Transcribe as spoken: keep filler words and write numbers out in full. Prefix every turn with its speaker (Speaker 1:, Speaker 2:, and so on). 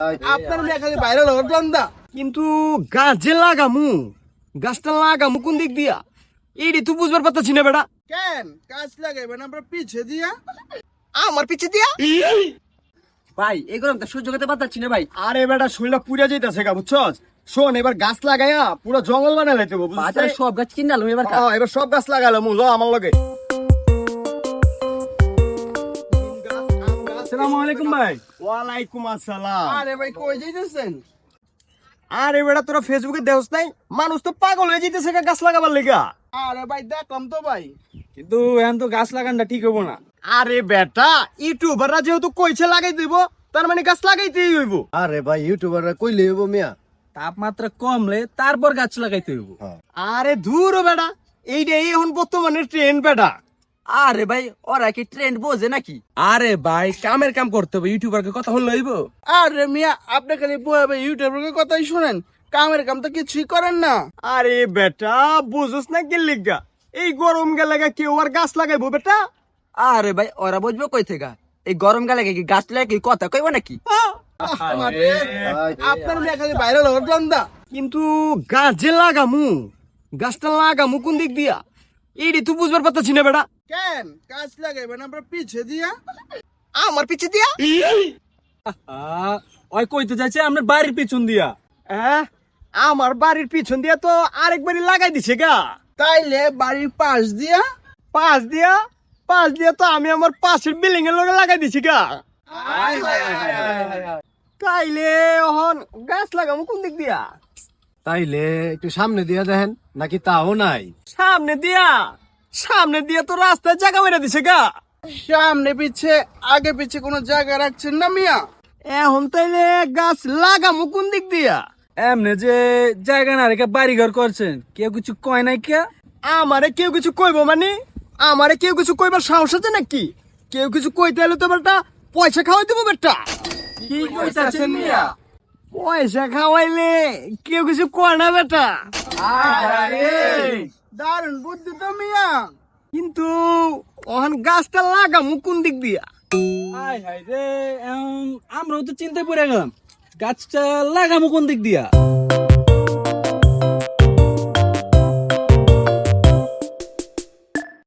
Speaker 1: আপনার মেয়ে খালি বাইরে লন্ডা
Speaker 2: কিন্তু গাছ যে লাগামু গাছটা লাগামু কোন দিক দিয়া এইটি তুই বুঝবার পারতাছি না বেটা।
Speaker 1: কেন গাছ লাগাইবেন আপনার পিছে দিয়া?
Speaker 2: আমার পিছে দিয়া
Speaker 3: ভাই এই গরম তো সহ্য করতে পারতাছি না ভাই।
Speaker 2: আরে বেটা শরীরটা পুড়ে যাইতাছে গা বুঝছস। শোন এবার গাছ লাগাইয়া পুরো জঙ্গল বানাই লাইতে হবে বুঝছস।
Speaker 3: বাজারে সব গাছ কিনালাম এবার।
Speaker 2: হ্যাঁ এবার সব গাছ লাগালাম ল আমার লগে।
Speaker 4: আসসালামু আলাইকুম ভাই।
Speaker 2: ওয়ালাইকুম আসসালাম।
Speaker 1: আরে ভাই কই যাইতেছেন?
Speaker 2: আরে বেটা তোরা ফেসবুকে দেখছ নাই মানুষ তো পাগল হয়ে যাইতেছে গা গাছ লাগাবার লেগা।
Speaker 1: আরে ভাই দেখলাম তো ভাই,
Speaker 4: কিন্তু এখন তো গাছ লাগানটা ঠিক হবো না।
Speaker 2: আরে বেটা ইউটিউবাররা যেহেতু কইছে লাগাই দিব তার মানে গাছ লাগাইতেই হইব।
Speaker 5: আরে ভাই ইউটিউবাররা কইলে হইব মিয়া।
Speaker 4: তাপমাত্রা কমলে তারপর গাছ লাগাইতে হইব।
Speaker 2: আরে ধুর বেটা এইটাই এখন বর্তমানে ট্রেন্ড বেটা।
Speaker 3: আরে ভাই ওরা কি ট্রেন্ড বোঝে নাকি?
Speaker 4: আরে ভাই কামের কাম করতে হবে, ইউটিউবারকে কথা হল হইব।
Speaker 1: আরে মিয়া আপনি খালি বয়ে ইউটিউবের কথাই শুনেন, কামের কাম তো কিছুই করেন না।
Speaker 2: আরে বেটা বুঝছ না কি লিগা এই গরম গেলে কেউ আর গাছ লাগাইবো বেটা?
Speaker 3: আরে ভাই ওরা বুঝবে কই থেকে? এই গরম কালে কি গাছ লাগে কি কথা কইব নাকি?
Speaker 1: আরে, আপনার মেয়ে খালি বাইরে লন্ডা
Speaker 2: কিন্তু গাছ যে লাগামু গাছটা লাগামু কোন দিক দিয়া এইটি তুই বুঝবার পারতাছি না বেটা।
Speaker 1: কেন গাছ লাগাইবেন আপনার পিছে দিয়া?
Speaker 2: আমার পিছে দিয়া
Speaker 4: ওই কইতে যাচ্ছে আমরা বাড়ির পিছন দিয়া।
Speaker 2: হ্যাঁ আমার বাড়ির পিছন দিয়া তো আরেকবারই লাগাই দিছে গা।
Speaker 1: তাইলে বাড়ির পাশ দিয়া?
Speaker 2: পাঁচ দিয়া পাঁচ দিয়া তো আমি আমার পাশের বিল্ডিং এর লগে লাগাই দিছি গা। তাইলে এখন গাছ লাগামু কোন দিক দিয়া?
Speaker 5: তাইলে একটু সামনে দিয়া দেখেন নাকি তাও নাই।
Speaker 2: সামনে দিয়া সামনে দিয়া তো রাস্তায় জায়গা মেরে দিছে গা।
Speaker 1: সামনে পিছে আগে পিছে কোনো জায়গা রাখছেন না মিয়া?
Speaker 2: এখন তাইলে গাছ লাগামু কোন দিক দিয়া?
Speaker 4: এমনি যে জায়গা না রেখে বাড়ি ঘর করছেন, কেউ কিছু কয় নাই কে?
Speaker 2: আমারে কেউ কিছু কইব মানে আমারে কেউ কিছু কইবার সাহস আছে নাকি? কেউ কিছু কইতে হলে তো বেটা পয়সা খাওয়াই দেবো বেটা।
Speaker 4: কি কইতাছেন মিয়া?
Speaker 2: পয়সা খাওয়াইলে কেউ কিছু কয় না বেটা।
Speaker 1: দারুণ বুদ্ধি তো মিয়া।
Speaker 2: কিন্তু ওখান গাছটা লাগামু কোন দিক দিয়া?
Speaker 4: হাই হাই রে, আমরাও তো চিন্তায় পড়ে গেলাম, গাছটা লাগামো কোন দিক দিয়া?